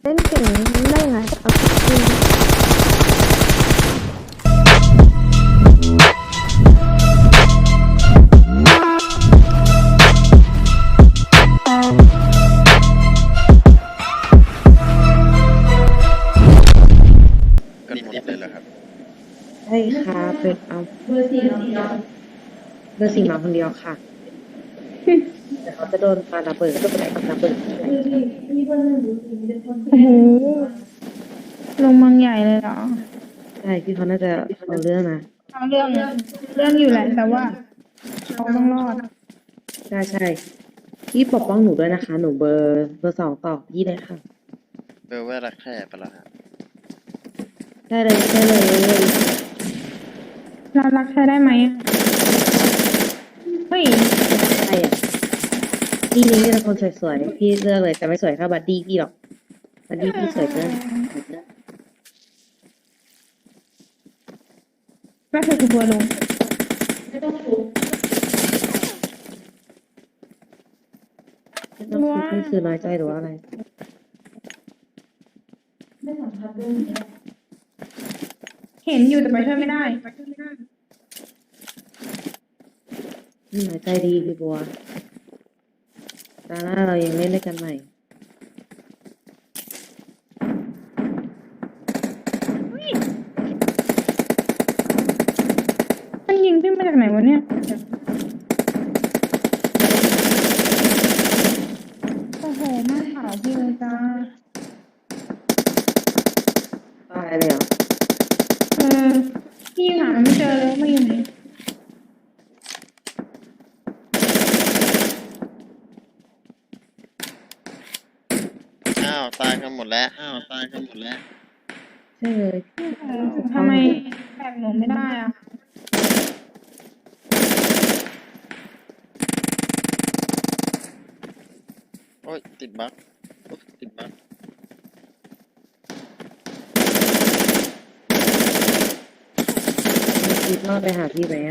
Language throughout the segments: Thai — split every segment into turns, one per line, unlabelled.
ล่นเก่งได้ยังไงเอาจริง
กันหมดเลยเหรอครับ
ใช่ค่ะเป็นเบอร์สี่มาคนเดียวค่ะแต่เขาจะโดนปาระเบิดก็ไปกับระเบิด
โอ้โหลงมังใหญ่เลยเหรอ
ใช่พี่เขาน่าจะเอาเรื่องนะ
เอาเรื่องอยู่แหละแต่ว่าเขาต้องรอด
ใช่พี่ปกป้องหนูด้วยนะคะหนูเบอร์สองต่อพี่เลยค่ะ
เบลเวอร์รักแค่ปะล่ะฮะ
ได้เลย
เรารักใช้ได้ไหมอะเฮ้ย
ใช่อ่ะพี่นี้มีแต่คนสวยๆพี่เลือกเลยแต่ไม่สวยเท่าบัดดี้พี่หรอกบัดดี้พี่สวยเกิน
ก็คือทัวร์ลง
ไม่ต้องคิดนี่คือน้อยใจหรือว่าอะไร
เห็นอยู่แต่ไปช่วยไม่ได้
น้อยใจดีพี่บัวตาหน้าเรายังเล่นด้วยกันใหม่
มันยิงพี่มาจากไหนวะเนี่ยโอ้โหมาขาวพี่เลยจ้า
ตายเลยเหรอ
เออพี่หามันไม่เจอเลยมาอยู่ไหน
อ้าวตายกันหมดแล้ว
ใช่เลย
ทำไมแบกหนูไม่ได้อ่ะ
โอ้ยติดบั๊กติดบั๊ก
คิดว่าไปหาพี่ไหมอะ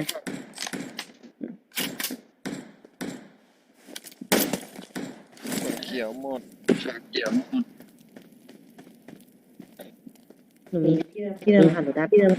เขียวหมด
หนูมีพี่เดินผ่านหนูได้พี่เดิน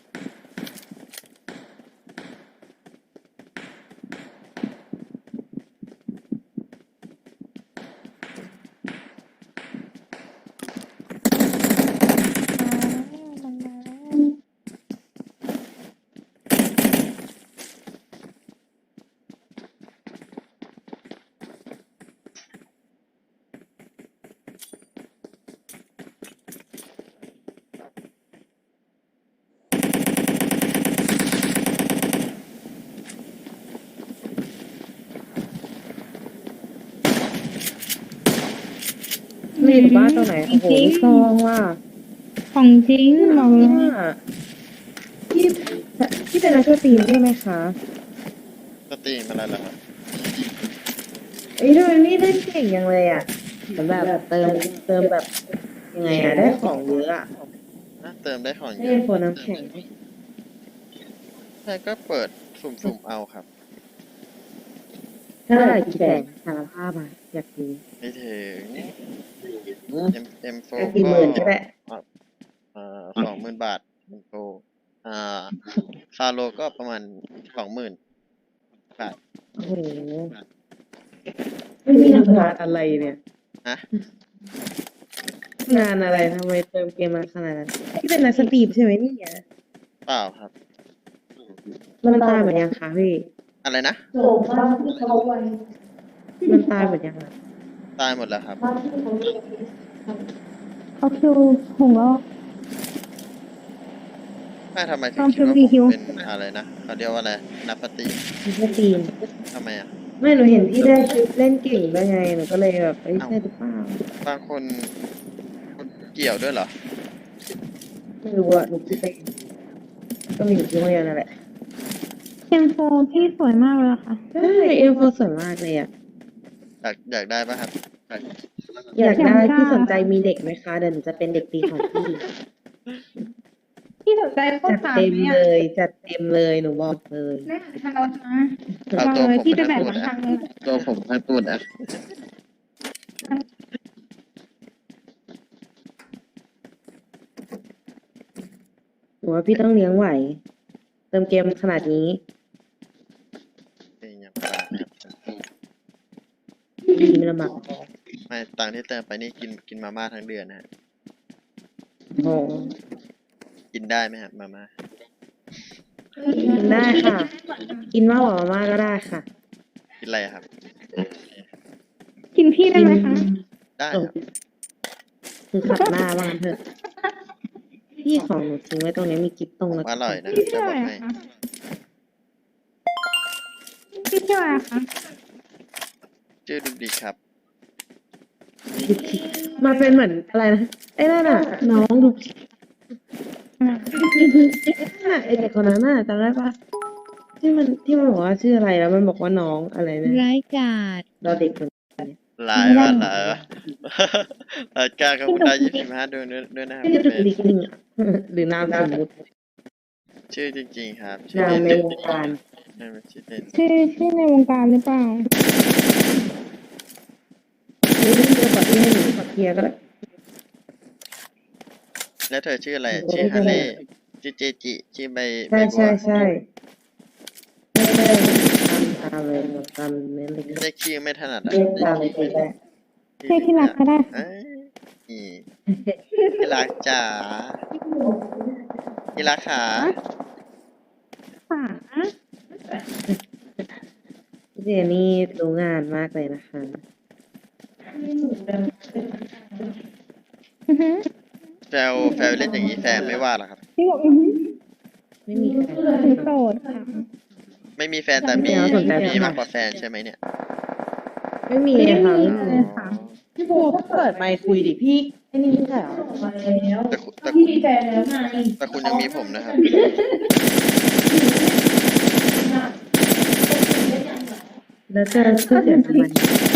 ไม่อยู่บ้านตรงไหนโอ้โหลูกซองว่ะ
ของจริงบอกเลย
ว่าพี่พี่เป็นนักสตรีมใช่ไหมคะ
สตรีมอะไรล่ะครับ
เอ้ยทำไมพี่เล่นเก่งยังเลยอ่ะเหมือนแบบเติมแบบยังไงอ่ะได้ของเยอะอ่ะ
เติมได้ของเย
ได้
อะ
โฟนน้ำแข็ง
ใช่ก็เปิดสุ่มเอาครับ
ถ้าอะไรกี่แสนสารภาพอ่ะอยากดู
ไม่ถึง M4
กี่หมื่นก็ได้
20,000 บาท M4 ฟาโลก็ประมาณ20,000 บาท
โอ้โหไม่มีทำงานอะไรเนี่ย
ฮะ
งานอะไรทำไมเติมเกมมาขนาดนั้นพี่เป็นนักสตรีมใช่ไหมเนี่ย
เปล่าครับ
มันตายเหมือนยังคะพี่
อะไรนะ
มันตายเหมือนยังอะ
ตายหมดแล้วครับ
เขาคิวหงแล้ว
ไม่ทำไมถึง
ต้อง
คิดว่า
คิว
ผมเป็นอะไรนะเขาเรียกว่าอะไรนักปฏิ
นักสตรีม
ทำไมอ่ะ
ไม่หนูเห็นพี่ได้คลิปเล่นเก่งได้ไงหนูก็เลยแบบเอ้ยใช่หรือเปล่า
บางคนเกี่ยวด้วยเหรอ
ไม่รู้อะหนูคิดไปเองก็มีอยู่ที่โรงเรียนนั่นแหละ
เอ็มโฟพี่สวยมากเลยอะค่ะ
ใช่เอ็มโฟสวยมากเลยอะ
อยากได้ป่ะครับ
อยากได้
อยากได้
พี่สนใจมีเด็กไหมคะเดี๋ยวหนูจะเป็นเด็กดีของพี่
พี่สนใจโคต
จั
ร
ด
สาม
เต็ม
ไหม
เล
อะ
ยจัดเต็มเลยหนูบอกเลย
แน่ทางเรานะ
เอา
บอก
ตัว
เลย
ผม
พี่จะ
ทั้ง
แบ่ง
ตัว
มา
นะ
ทางเลย
ตัวผมทั้งตัวนะ
ว่าพี่ต้องเลี้ยงไหว เติมเกมขนาดนี้
เป็นอย่างไรครับ
ดีไม่ลำบากพอ
ไม่ตังค์ที่เติมไปนี่กินมาม่าทั้งเดือนนะฮะ
โอ้
กินได้ไหมครับมาม่า
กินได้ค่ะ กินมากกว่ามาม่าก็ได้ค่ะ
กินอะไรครับ
กินพี่ได้ไหมคะ
ได้
โอ้
ครับ
คือขัดหน้าว่างั้นเถอะ พี่ของหนูทิ้งไว้ตรงนี้มีกิ๊บตรง
ผม
แล้ว
อร่อยนะ
พี่
จะ
ชื่อบ
อ
อะ
ก
ไร
ให้
คะพี่ชื่ออะไรคะ
ชื่อดุกดิกครับ
มาเป็นเหมือนอะไรนะไอ้นั่นน่ะ น้องดูไอ้เด็กคนนั้นน่ะจำได้ปะที่มันบอกว่าชื่ออะไรแล้วมันบอกว่าน้องอะไรนะ
ร้ายกาจ
เราเด็กเหมือน
หลายว่าหลายว่าหลายการครับคุณได้25ด้วยนะครับ
พี่
คุณ
จะ
เบ
ดิ
ส
กลิงอ่ะ หรือนามสมมติ
ชื่อจริงๆครับชื่อ
นาม
เล่น
ในวงการ
ไม่เป็นชื่อเล่น
ชื่อในวงการหรือเปล่า
นี่พี่จะปรับที่ให้หนูปรับเพียร์ก็ได้
แล้วเธอชื่ออะไรชื่อฮาเล่ชื่อเจจิชื่อใบ
ใช่
บัว
ใช่ใช่ใช่ตามเลยตามเน้นเลย
เรียกชื่อไม่ถนัดอ่ะ
เรียกตามเลยได้
ใช่ที่รักก็ได้
เอ้ยอีที่รักจ๋าที่รักขา
ค่ะ
พี่เจนี่รู้งานมากเลยนะคะ
อือฮึ
แฟลเล่นอย่างนี้แฟนไม่ว่าหรอครับ
พี่บอกอือฮึ
ไม่มีใคร
หนูโสดค่ะ
ไม่มีแฟนแต่มี
ไม่เอาสนใจ
มีมากกว่าแฟนใช่ไหมเนี่ย
ไม่มีค่ะไม่มี
ค่ะ
พี่บัวก็เปิดไมค์คุยดิพี่ไอ้นี่ไม่ใช่เหรอ
แต่คุณแต่คุณยังมีผมนะครับ
แล้วจะเสียทำไม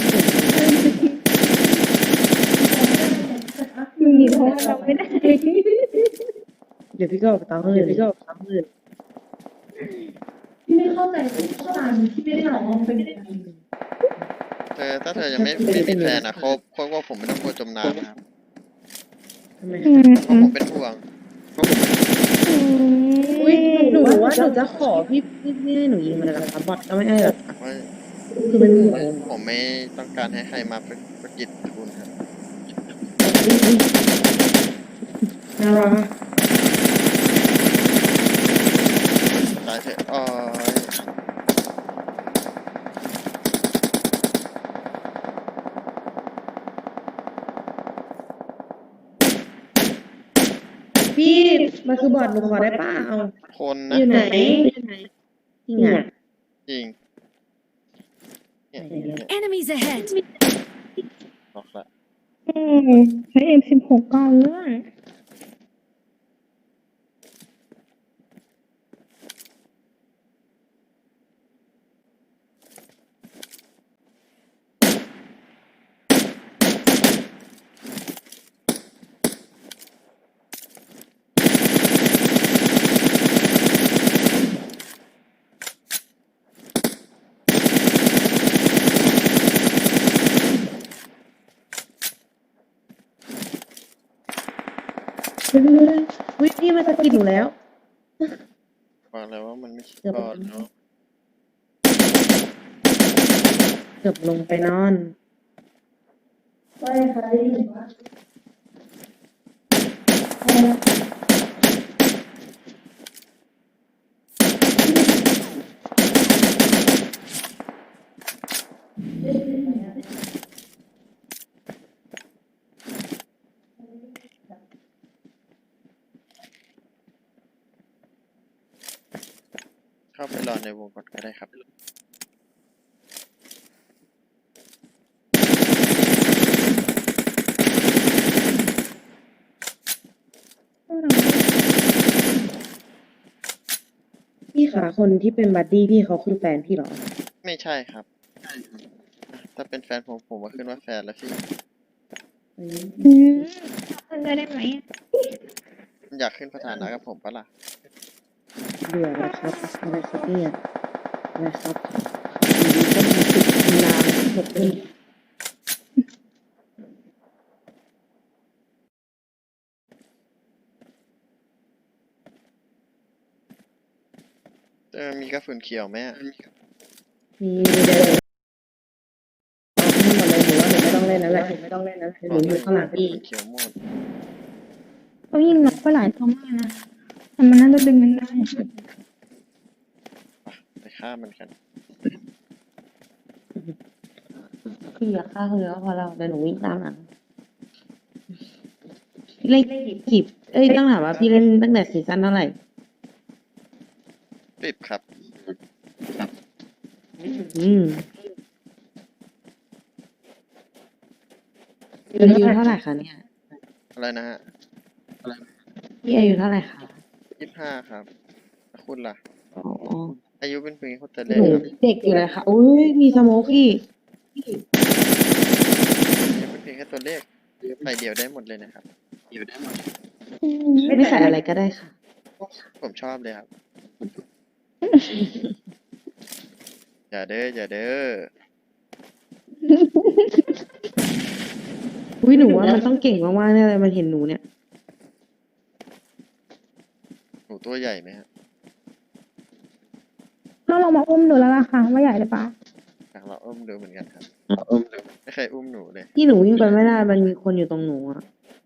อยู่ดีเพราะว่าเราไม่ได้
เดี๋ยวพี่ก็ออกไปตามอื่น
ไม่เข้าใจข้อความที่ไม่ได้หรอกมันเป็นยังไง
ถ้าเธอยังไม่มีแฟนอ่ะคบว่าผมไม่ต้องกลัวจมน้ำนะครับ
ทำไม
อืม
เพราะผมเป็นห่วงเพราะผมเป็น
อุ้ยหนูว่าหนูจะขอพี่ให้หนูยิงมันเลยเหรอคะบอทก็ไม่ให้หรอก
ว่า
คือเป็นห่วง
ผมไม่ต้องการให้ใครมาประกิตคุณครับ
น่ารัก
ตายเถอะอ๋อ
พี่มันคือบอทหนูขอได้ป่ะเอา
คนนะ
อยู่ไหนจริงอ่ะ
จริงเนี่ย
Enemies ahead
บอกละ
ใช้ M16 ก่อนเลย
วิพี่มันจะกินหนูแล้ว
บอกแล้วว่ามันไม่ใช่
เกือบ
บอดเนาะ
เกือบลงไปนอน
ว่าค่ะได้ยินว่า
เข้าไปรอในวงก่อนก็ได้ครับ
พี่ขาคนที่เป็นบัดดี้พี่เขาคือแฟนพี่เหรอ
ไม่ใช่ครับ ถ้าเป็นแฟนผมว่าขึ้นว่าแฟนแล้วสิ
อืมเพื่อนได้ไหม
อยากขึ้นสถานะกับผมปะล่ะ
เบื่อแล้วครับอะไรครับเนี่ยอะไรครับอยู่ดีก็มีติดนานหมดเลย
มีกระสุนเขียวไหมอะ
มีเดี๋ยวหมดเลยหนูว่าหนูไม่ต้องเล่นแล้วแหละหนูอยู่ข้างหลัง
กระ
พี่
สุนเขียวหมด
เขายิงน็อกไปหลายตัวมากนะแต่มันน่าจะดึงมันได้
ไปฆ่ามันกัน
พี่อยากฆ่าเขาเลยก็พอเราเดี๋ยวหนูวิ่งตามหลังเล่นกี่ต้องถามว่าพี่เล่นตั้งแต่ซีซั่นเท่าไหร่
10 ครับ
อืมอายุเท่าไหร่คะเนี่ย
อะไรนะฮะ
พี่อายุเท่าไหร่คะ
25 ครับแล้วคุณล่ะ
อ๋อ
อายุเป็นเพียงคนแต่
ห
เล็ก
นู
ครับ
เด็กอยู่เลยค่ะอุ้ยมีสโมกพี่
อายุเป็นเพียงแค่ตัวเลขใส่เดียวได้หมดเลยนะครับ
ไม่ใส่อะไรก็ได้ค่ะ
ผมชอบเลยครับ อย่าเด้ออย่าเด้อ
อุ้ยหนูว่ามันต้องเก่งมากๆแน่เลยมันเห็นหนูเนี่ย
หนูตัวใหญ่ไหมฮะ
ถ้าเรามาอุ้มดูแล้วล่ะค่ะว่าใหญ่หรือเปล่า
อยากเราอุ้มดูเหมือนกันครับไม่เคยอุ้มหนูเลย
ที่หนูวิ่งไปไม่ได้มันมีคนอยู่ตรงหนูอ่ะ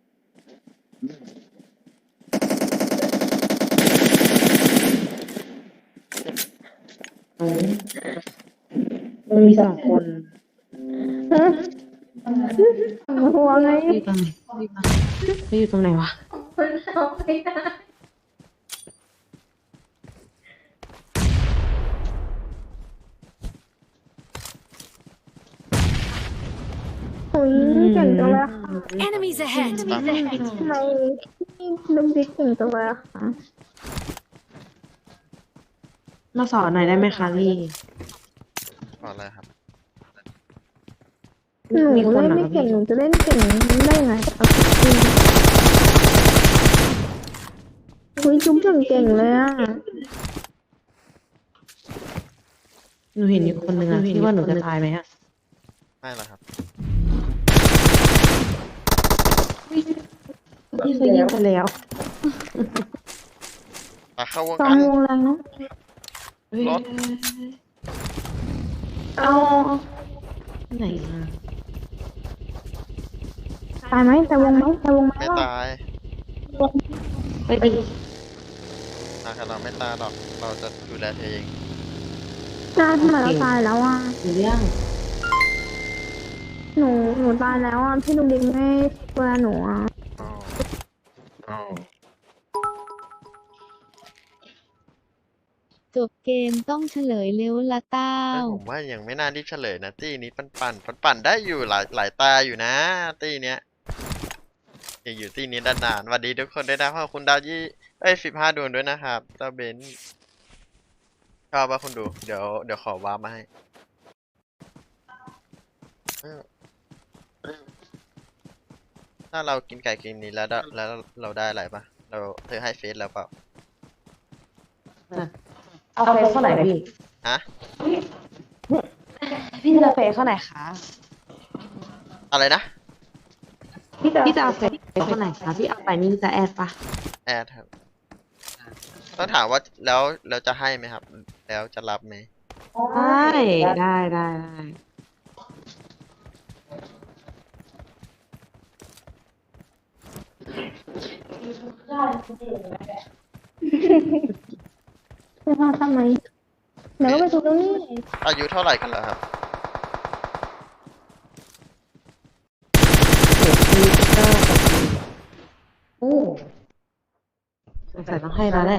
อ๋อมันมี2 คน
ฮะหัวไง
เขาอยู่ตรงไหนวะ
คนเอาไม่ได้
โอ้ยเก่งจังเลยค่ะ
Enemies ahead!
ทำไมพี่ลูกดิ๊กเก่งจังเลยอะค่ะ
มาสอนหน่อยได้ไหมคะพี่
ขออะไรครับ
หนูเล่นไม่เก่งหนูจะเล่นเก่งได้ยังไงเอาจริงคุยจุ๊บเก่งๆเลยอ่ะ
หนูเห็นอยู่คนหนึ่งอะที่ว่าหนูจะตายไหมอะ
ไม่ละครับ
พี่เคยยิงไปแล้ว
เข้าวง
ตอ
กัน น
วงแรงเนาะ
รถ
เอา
ไหนมา
ตายไหมแต่วงไหมแต่วงไหม
ไม่
ว่า
ตาย
ไปดิ
นะครับเราไม่ตายหรอก เราจะดูแลเธอเอง
ตายทำไมเราตายแล้วอ่ะ
หนูเรื่อง
หนูตายแล้วอ่ะพี่ลูกดิ๊กไม่เวลาหนูอ่ะ
อ๋ออ๋อ
จบเกมต้องเฉลยเร็วละเต้า
ผมว่ายังไม่น่ารีบเฉลยนะตี้นี้ปั่นได้อยู่หลายตาอยู่นะ ตี้เนี้ยอย่าอยู่ตี้นี้นานๆสวัสดีทุกคนด้วยนะขอบคุณดาว15 ดวงด้วยนะครับเจ้าเบนซ์ชอบป่ะคุณดู เดี๋ยวขอวาร์ปมาให้ถ้าเรากินไก่กินนี้แล้วเราได้อะไรป่ะเธอให้เฟซแล้วเปล่า
เอาเฟซเข้าไหนพี่
ฮะ
พี่จะเฟซเข้าไหนคะ
อะไรนะ
พี่จะเอาเฟซเข้าไหนคะพี่เอาไปนี่จะแอดปะ
แอดครับต้องถามว่าแล้วจะให้ไหมครับ แล้วจะรับไหม
ได้
จะพาทำไมเดี๋ยวก็ไปทุบตรงนี้
อายุเท่าไหร่กันแล้วครับ
โอ้สงสัยต้องให้แล้วแหละ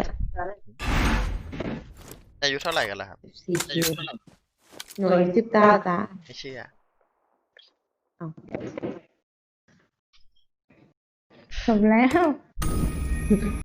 อายุเท่าไหร่กันแล้วครับ
4 คิวหนูอายุ19จ้า
ไม่เชื่อ
จบแล้ว